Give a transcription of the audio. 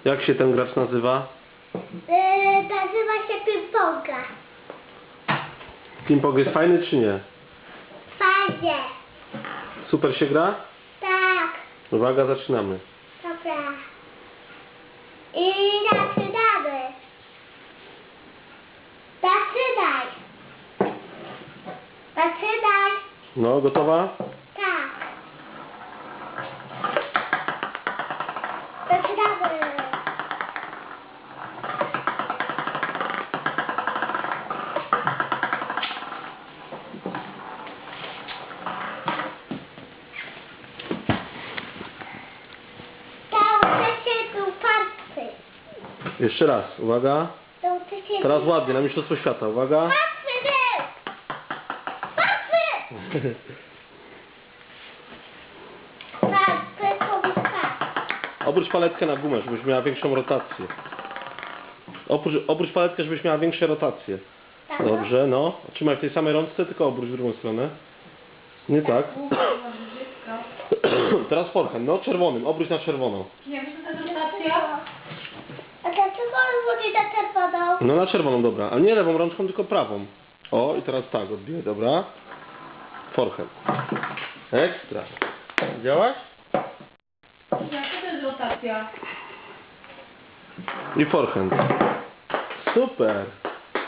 Jak się ten gracz nazywa? Nazywa się ping-ponga. Ping-pong jest fajny czy nie? Fajnie. Super się gra? Tak. Uwaga, zaczynamy. Dobra. I zaczynamy. Zaczynaj. Zaczynaj. No, gotowa? Tak. Zaczynamy. Jeszcze raz, uwaga. Teraz ładnie, na Mistrzostwo Świata, uwaga. Patrzy! Patrzy! Obróć paletkę na gumę, żebyś miała większą rotację. Obróć paletkę, żebyś miała większe rotacje. Tak. Dobrze, no. Trzymaj w tej samej rączce, tylko obróć w drugą stronę. Nie tak. Teraz forehand, no czerwonym, obróć na czerwoną. Nie wiem, co to jest rotacja. A dlaczego on mówi na czerwoną? No na czerwoną, dobra. A nie lewą rączką, tylko prawą. O, i teraz tak, odbiję, dobra. Forehand. Ekstra. Widziałaś? Jak to jest rotacja? I forehand. Super.